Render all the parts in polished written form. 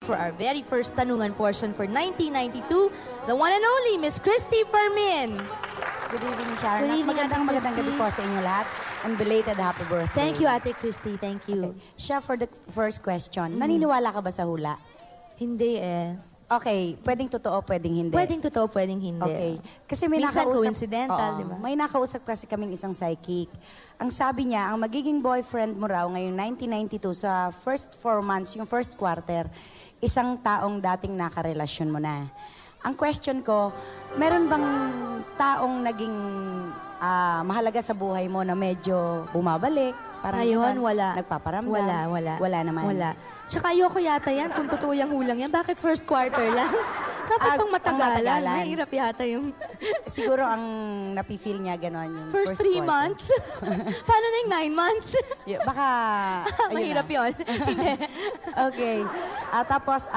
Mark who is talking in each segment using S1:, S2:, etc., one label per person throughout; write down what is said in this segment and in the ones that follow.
S1: for our very first tanungan portion for 1992, the one and only Miss Christy Fermin.
S2: Good evening, Sharon.
S1: Good evening,
S2: Magandang
S1: Ate
S2: magandang gabi
S1: Christy.
S2: po sa inyo lahat. And belated happy birthday.
S1: Thank you, Ate Christy. Thank you.
S2: Okay. Siya, for the first question, naniniwala ka ba sa hula?
S1: Hindi eh.
S2: Okay, pwedeng totoo, pwedeng hindi.
S1: Pwedeng totoo, pwedeng hindi.
S2: Okay. Kasi may
S1: Minsan
S2: nakausap,
S1: coincidental,
S2: Oo,
S1: di ba?
S2: May nakausap kasi kaming isang psychic. Ang sabi niya, ang magiging boyfriend mo raw ngayong 1992 sa first 4 months, yung first quarter, isang taong dating nakarelasyon mo na. Ang question ko, meron bang taong naging mahalaga sa buhay mo na medyo bumabalik? Parang
S1: Ngayon,
S2: ganun,
S1: wala.
S2: Nagpaparamdam?
S1: Wala.
S2: Wala naman?
S1: Wala. Tsaka ayoko yata yan kung totoo yung hulang yan. Bakit first quarter lang? Dapat pang matagalan.
S2: matagalan.
S1: Mahirap yata yung
S2: Siguro ang napifeel niya gano'n yung
S1: first 3
S2: quarter.
S1: months. Paano na yung 9 months?
S2: Baka, ayun
S1: Mahirap
S2: na.
S1: yun. Hindi.
S2: Okay. Tapos,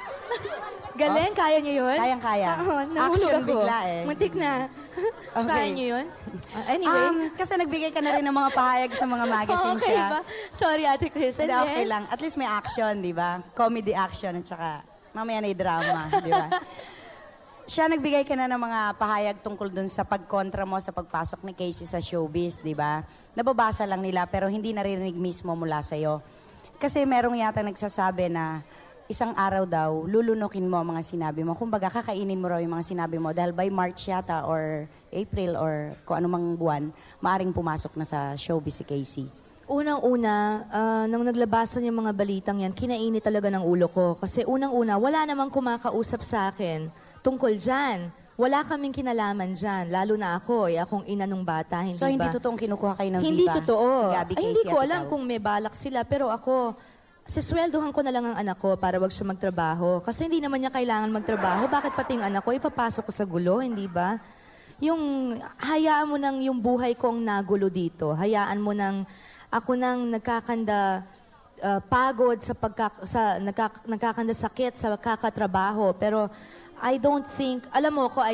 S1: Galing, kaya niyo yun?
S2: kayang-kaya.
S1: Oo, nahulog
S2: Action
S1: ako.
S2: bigla eh.
S1: Muntik na.
S2: Okay.
S1: Kaya niyo yun? Anyway.
S2: Kasi nagbigay ka na rin ng mga pahayag sa mga magazines
S1: Okay
S2: siya.
S1: ba? Sorry, Ate Chris.
S2: Hindi,
S1: And
S2: okay
S1: then,
S2: lang. At least may action, di ba? Comedy action at saka mamaya na yung drama, di ba? Siya nagbigay ka na ng mga pahayag tungkol dun sa pagkontra mo sa pagpasok ni Casey sa showbiz, di ba? Nababasa lang nila pero hindi naririnig mismo mula sa'yo. Kasi merong yata nagsasabi na isang araw daw, lulunukin mo ang mga sinabi mo. Kumbaga, kakainin mo raw yung mga sinabi mo dahil by March yata or April or kung anumang buwan, maaring pumasok na sa showbiz si Casey.
S1: unang-una, nang naglabasan yung mga balitang yan, kinainit talaga ng ulo ko. Kasi unang-una, wala namang kumakausap sa akin tungkol dyan. Wala kaming kinalaman dyan, lalo na ako, akong ina nung bata, hindi
S2: So,
S1: ba?
S2: hindi totoong kinukuha kayo ng
S1: Hindi
S2: Viva?
S1: totoo.
S2: Si Gabby,
S1: Ay,
S2: Casey
S1: hindi ko
S2: at
S1: alam
S2: ikaw?
S1: kung may balak sila, pero ako, sisweldohan ko na lang ang anak ko para wag siya magtrabaho. Kasi hindi naman niya kailangan magtrabaho. Bakit pati yung anak ko, ipapasok ko sa gulo, hindi ba? Yung, hayaan mo nang yung buhay kong nagulo dito. Hayaan mo nang, ako nang nagkakanda, pagod sa nagkakanda sakit sa kakatrabaho. Pero, I don't think, alam mo ko,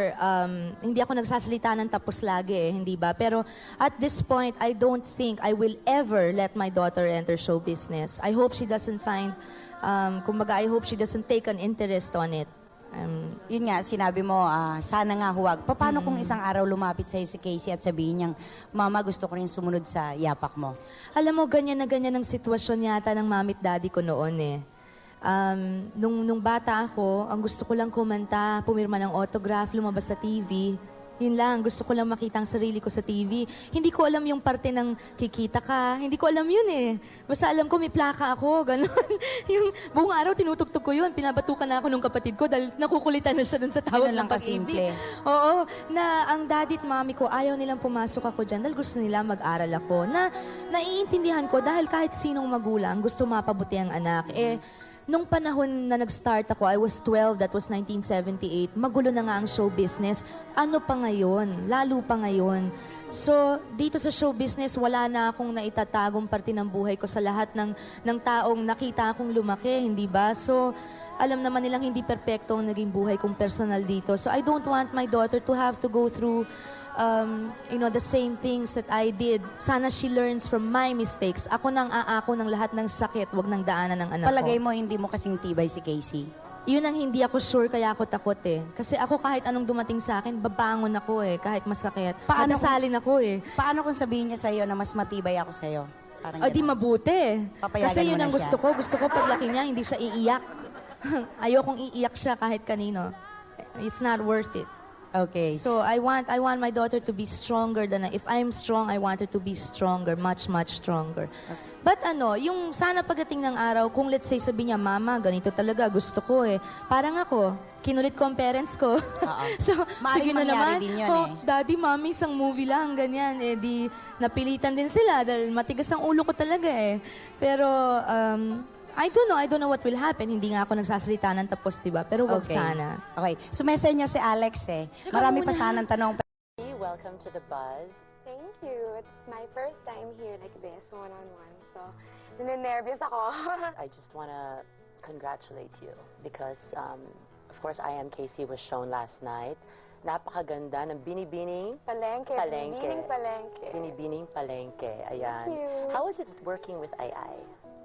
S1: hindi ako nagsasalita ng tapos lagi hindi ba? Pero at this point, I don't think I will ever let my daughter enter show business. I hope she doesn't find, kumbaga, I hope she doesn't take an interest on it.
S2: Yun nga, sinabi mo, sana nga huwag. Paano kung isang araw lumapit sa'yo si Casey at sabihin niyang, Mama, gusto ko rin sumunod sa yapak mo?
S1: Alam mo, ganyan na ganyan ang sitwasyon yata ng mamit daddy ko noon nung bata ako, ang gusto ko lang kumanta, pumirma ng autograph, lumabas sa TV. Yun lang, gusto ko lang makita ang sarili ko sa TV. Hindi ko alam yung parte ng kikita ka. Hindi ko alam yun Basta alam ko may plaka ako, gano'n. Yung buong araw tinutugtog ko yun. Pinabatukan na ako nung kapatid ko dahil nakukulitan na siya dun sa tawag
S2: Ganun lang
S1: ng pag-ibig.
S2: kasimple.
S1: Oo, na ang daddy at mami ko, ayaw nilang pumasok ako dyan dahil gusto nila mag-aral ako. Na naiintindihan ko dahil kahit sinong magulang gusto mapabuti ang anak. Nung panahon na nag-start ako, I was 12, that was 1978, magulo na nga ang show business. Ano pa ngayon? Lalo pa ngayon. So, dito sa show business, wala na akong naitatagong parte ng buhay ko sa lahat ng taong nakita akong lumaki, hindi ba? So, alam naman nilang hindi perpekto ang naging buhay kong personal dito. So, I don't want my daughter to have to go through the same things that I did. Sana she learns from my mistakes. Ako nang aako ng lahat ng sakit, wag nang daanan ng anak
S2: Palagay
S1: ko.
S2: mo, hindi mo kasing tibay si Casey?
S1: Yun ang hindi ako sure, kaya ako takot Kasi ako kahit anong dumating sa akin, babangon ako kahit masakit.
S2: Paano
S1: Madasalin ako
S2: Paano kung sabihin niya sa'yo na mas matibay ako sa'yo? Parang
S1: O di
S2: ganun.
S1: mabuti.
S2: Papayagan
S1: Kasi yun
S2: mo na
S1: ang
S2: siya.
S1: gusto ko. Gusto ko paglaki niya, hindi siya iiyak. Ayokong iiyak siya kahit kanino. It's not worth it.
S2: Okay.
S1: So I want my daughter to be stronger than if I'm strong, I want her to be stronger, much stronger. But yung sana pagdating ng araw, kung let's say sabi niya, Mama, ganito talaga, gusto ko Parang ako, kinulit ko ang parents ko. So,
S2: Maaaring
S1: sige na
S2: mangyari
S1: naman.
S2: din yun
S1: Daddy, Mommy, isang movie lang, ganyan. Di napilitan din sila dahil matigas ang ulo ko talaga Pero, I don't know what will happen. Hindi nga ako nagsasalita ng tapos, diba? Pero wag sana.
S2: Okay. Sumesay niya si Alex Marami pa
S1: muna.
S2: sanang tanong.
S3: Welcome to the Buzz.
S4: Thank you. It's my first time here like this, one-on-one. So, naninervyos ako.
S3: I just want to congratulate you because, of course, I Am Casey was shown last night. Napakaganda ng Binibining
S4: Palengke.
S3: Palengke.
S4: Binibining palengke.
S3: Binibining Palengke. Ayan.
S4: Thank you.
S3: How was it working with Ai?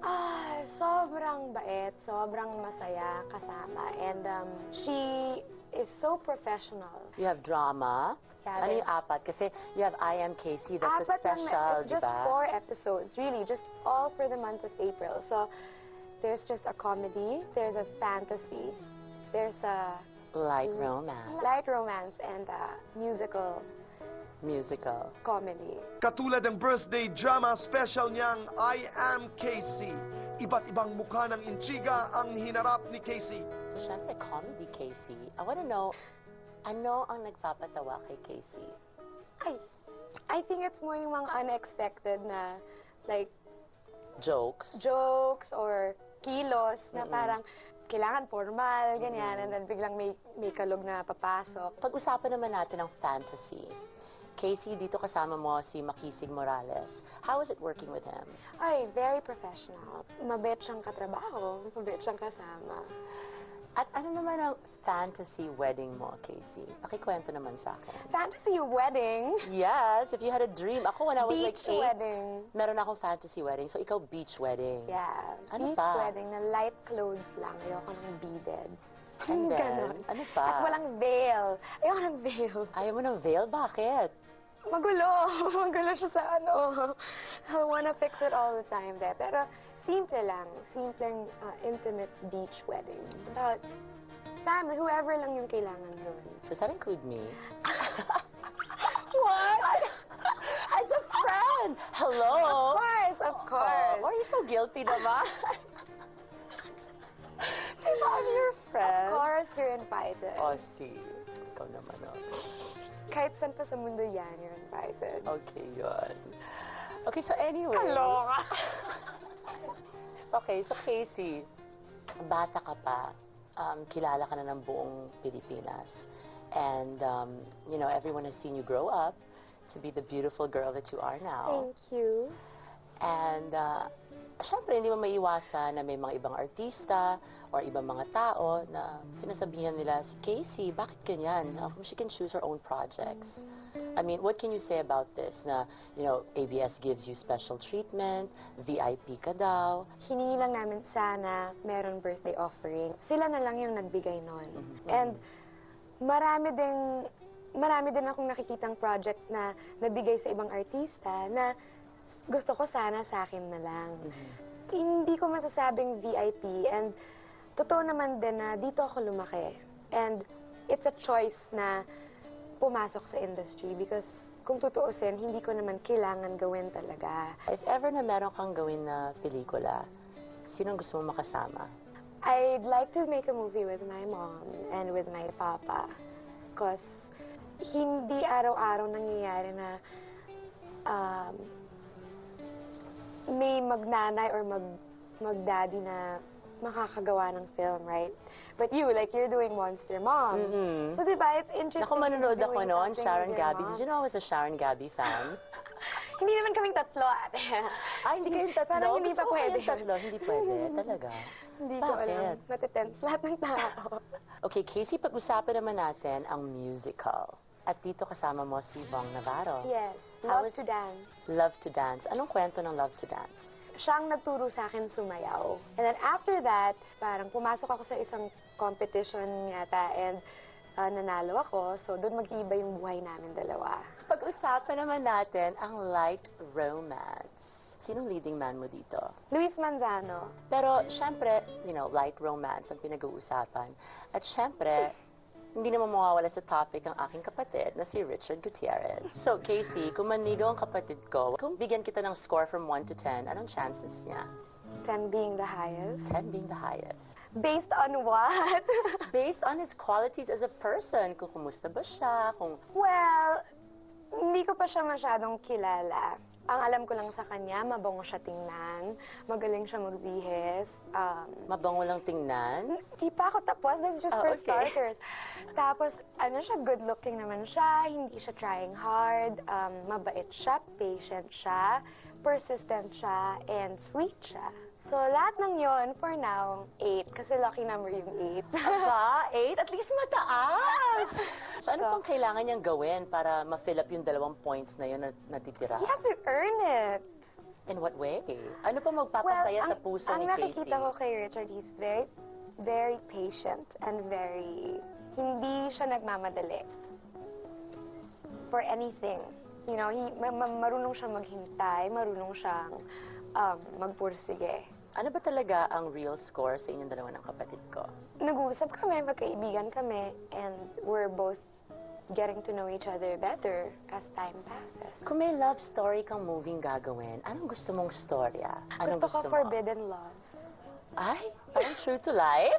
S4: Sobrang bait, sobrang masaya kasama. And she is so professional.
S3: You have drama.
S4: Yeah,
S3: Ano yung
S4: there's-
S3: apat? Kasi you have I Am Casey, that's a
S4: Apat lang na-
S3: special,
S4: it's
S3: di
S4: just
S3: ba?
S4: 4 episodes, really, just all for the month of April. So there's just a comedy, there's a fantasy, there's a
S3: Light romance,
S4: light romance, and a musical
S3: musical.
S4: comedy.
S5: Katulad ng birthday drama special niyang I Am Casey. Iba't ibang mukha ng intriga ang hinarap ni Casey.
S3: So, syempre, comedy, Casey. I wanna know, ano ang nagpapatawa kay Casey?
S4: I think it's more yung mga unexpected na, like,
S3: Jokes?
S4: jokes or kilos na parang kailangan formal, ganyan, and then biglang may kalog na papasok.
S3: Pag-usapan naman natin ang fantasy. Casey, dito kasama mo si Makisig Morales. How is it working with him?
S4: Ay, very professional. Mabait siyang katrabaho, mabait siyang kasama.
S3: At ano naman ang fantasy wedding mo, Casey? Pakikwento naman sa akin.
S4: Fantasy wedding.
S3: Yes, if you had a dream. Ako, when I was like
S4: Beach
S3: 8,
S4: wedding.
S3: meron akong fantasy wedding. So, ikaw, beach wedding.
S4: Yeah.
S3: Ano
S4: Beach
S3: pa?
S4: wedding na light clothes lang. Ayoko ng beaded.
S3: And then,
S4: Ganon.
S3: ano pa?
S4: At walang veil. Ayoko ng veil.
S3: Ayaw mo ng veil? Bakit?
S4: Magulo. Magulo siya sa ano. I wanna fix it all the time there. Pero simple lang. Simpleng intimate beach wedding. Without family, whoever lang yung kailangan doon.
S3: Does that include me?
S4: What?
S3: As a friend! Hello!
S4: Of course.
S3: Oh, are you so guilty naman? Diba, I'm your friend.
S4: Of course, you're invited.
S3: Oh, see. Ikaw naman, oh.
S4: Kahit saan pa sa mundo yan, you're invited.
S3: Okay, yun. Okay, so anyway.
S4: Kaloka.
S3: Okay, so Casey, bata ka pa, kilala ka na ng buong Pilipinas. And, you know, everyone has seen you grow up to be the beautiful girl that you are now.
S4: Thank you.
S3: And, syempre, hindi mo maiwasan na may mga ibang artista or ibang mga tao na sinasabihan nila, si Casey, bakit ganyan? How come she can choose her own projects? I mean, what can you say about this? Na, you know, ABS gives you special treatment, VIP ka daw.
S4: Hiningi lang namin sana meron birthday offering. Sila na lang yung nagbigay nun. And marami din akong nakikitang project na nabigay sa ibang artista na gusto ko sana sa akin na lang. Hindi ko masasabing VIP, and totoo naman din na dito ako lumaki. And it's a choice na pumasok sa industry because kung tutuusin, hindi ko naman kailangan gawin talaga.
S3: If ever na meron kang gawin na pelikula, sinong gusto mo makasama?
S4: I'd like to make a movie with my mom and with my papa. Because hindi araw-araw nangyayari na may magnanay or magdaddy na makakagawa ng film, right? But you, like, you're doing Monster Mom. So, diba, it's interesting.
S3: Naku, manonood ako
S4: doing
S3: noon,
S4: something
S3: Sharon
S4: with your
S3: Gabi.
S4: mom.
S3: Did you know I was a Sharon Gabi fan?
S4: Hindi naman kaming tatlo, ate.
S3: Ay, hindi kayong tatlo?
S4: Parang hindi
S3: Gusto
S4: pa
S3: ko kayong
S4: pwede.
S3: tatlo. Hindi pwede, talaga.
S4: Hindi ko alam.
S3: Bakit?
S4: Matitense lahat ng tao.
S3: Okay, Casey, pag-usapan naman natin ang musical. At dito kasama mo si Bong Navarro.
S4: Yes,
S3: How
S4: love
S3: is-
S4: to dance.
S3: Love to Dance. Anong kwento ng Love to Dance?
S4: Siyang nagturo sa akin sumayaw. And then after that, parang pumasok ako sa isang competition yata and nanalo ako. So doon mag-iiba yung buhay namin dalawa.
S3: Pag-usapan naman natin ang light romance. Sinong leading man mo dito?
S4: Luis Manzano.
S3: Pero, syempre, you know, light romance ang pinag-uusapan. At syempre, hindi naman mawawala sa topic ang aking kapatid na si Richard Gutierrez. So, Casey, kung manigaw ang kapatid ko, kung bigyan kita ng score from 1 to 10, anong chances niya?
S4: 10 being the highest.
S3: 10 being the highest.
S4: Based on what?
S3: Based on his qualities as a person, kung kumusta ba siya, kung
S4: Well, hindi ko pa siya masyadong kilala. Ang alam ko lang sa kanya, mabango siya tingnan, magaling siya magbihis.
S3: mabango lang tingnan.
S4: Di pa ako tapos. This is just
S3: Oh,
S4: for
S3: okay.
S4: starters. Tapos, ano siya, good looking naman siya, hindi siya trying hard, mabait siya, patient siya, persistent siya, and sweet siya. So, lahat ng yon for now, 8. Kasi lucky number yung 8.
S3: Aba, 8? At least mataas! So, ano
S4: So-
S3: pang kailangan niyang gawin para ma-fill up yung 2 points na yun na natitira?
S4: He has to earn it.
S3: In what way? Ano pa magpapasaya sa puso
S4: ang
S3: ni Casey?
S4: nakikita ko kay Richard, he's very, very patient and hindi siya nagmamadali for anything. You know, marunong siyang maghintay, marunong siyang magpursige.
S3: Ano ba talaga ang real score sa inyong dalawa ng kapatid ko?
S4: Nag-uusap kami, magkaibigan kami, and we're both getting to know each other better as time passes.
S3: Kung may love story kang moving gagawin, anong gusto mong storya? Anong
S4: Gusto ko
S3: mo?
S4: forbidden love.
S3: Ay, parang true to life?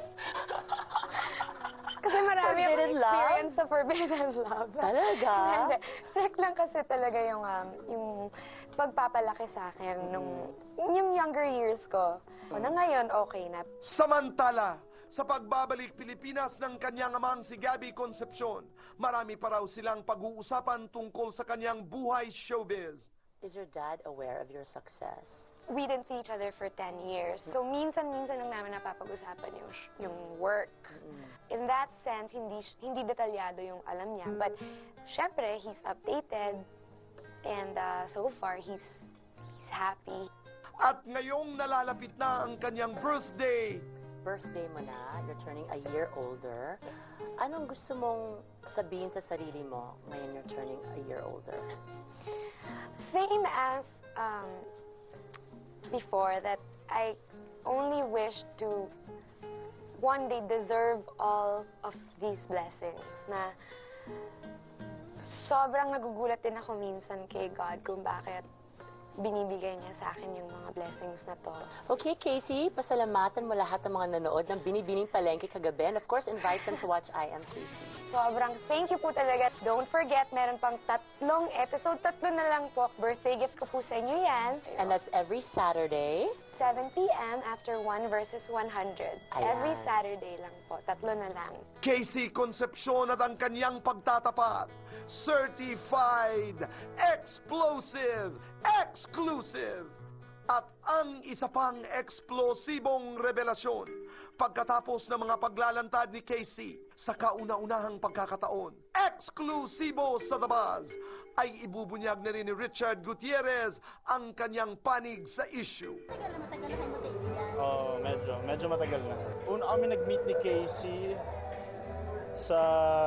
S4: Kasi marami akong
S3: Forbidden love?
S4: experience sa forbidden love.
S3: Talaga?
S4: Hindi. Strict lang kasi talaga yung pagpapalaki sa akin yung younger years ko. Na ngayon, okay na.
S5: Samantala, sa pagbabalik Pilipinas ng kanyang amang si Gabby Concepcion, marami pa raw silang pag-uusapan tungkol sa kanyang buhay showbiz.
S3: Is your dad aware of your success?
S4: We didn't see each other for 10 years. So minsan-minsan lang namin napapag-usapan yung work. In that sense, hindi detalyado yung alam niya. But syempre, he's updated. And so far, he's happy.
S5: At ngayong nalalapit na ang kanyang birthday,
S3: Birthday mo na, you're turning a year older. Anong gusto mong sabihin sa sarili mo ngayon you're turning a year older?
S4: Same as before, that I only wish to one day deserve all of these blessings. Na sobrang nagugulat din ako minsan kay God kung bakit binibigay niya sa akin yung mga blessings na to.
S3: Okay, Casey, pasalamatan mo lahat ng mga nanood ng Binibining Palengke kagabi. And of course, invite them to watch I Am Casey.
S4: Sobrang thank you po talaga. Don't forget, meron pang 3 episode. 3 na lang po. Birthday gift ko po sa inyo yan.
S3: And that's every Saturday.
S4: 7 p.m. after 1 versus 100. Every
S3: Ayan.
S4: Saturday lang po. 3 na lang.
S5: Casey Concepcion at ang kanyang pagtatapat, certified, explosive, exclusive. At ang isa pang eksplosibong revelasyon, pagkatapos ng mga paglalantad ni Casey sa kauna-unahang pagkakataon, eksklusibo sa The Buzz, ay ibubunyag na rin ni Richard Gutierrez ang kanyang panig sa issue.
S6: Oo, medyo matagal na. Una kami nag-meet ni Casey sa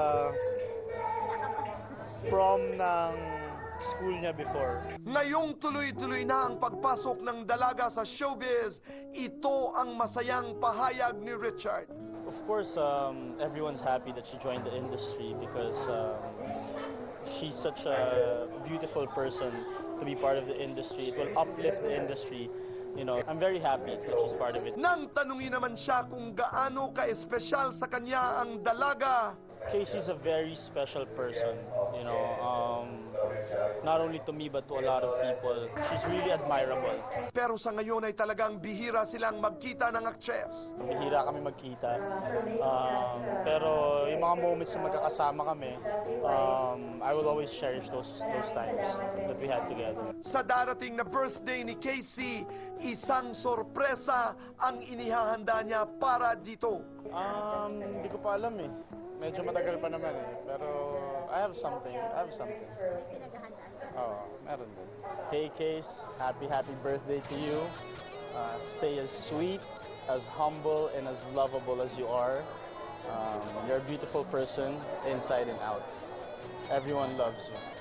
S6: prom ng school niya before.
S5: Ngayong tuloy-tuloy na ang pagpasok ng dalaga sa showbiz, ito ang masayang pahayag ni Richard.
S6: Of course, everyone's happy that she joined the industry because she's such a beautiful person to be part of the industry. It will uplift the industry. You know, I'm very happy that she's part of it.
S5: Nang tanungin naman siya kung gaano ka-espesyal sa kanya ang dalaga,
S6: Casey's a very special person, you know, not only to me but to a lot of people. She's really admirable.
S5: pero sa ngayon ay talagang bihira silang magkita ng aktres.
S6: Bihira kami magkita. Pero yung mga moments na magkakasama kami, I will always cherish those times that we had together.
S5: Sa darating na birthday ni Casey, isang sorpresa ang inihahanda niya para dito.
S6: Hindi ko pa alam eh. Medyo matagal pa naman eh. Pero I have something. Oo, meron din. Hey Case, happy birthday to you. Stay as sweet, as humble, and as lovable as you are. You're a beautiful person, inside and out. Everyone loves you.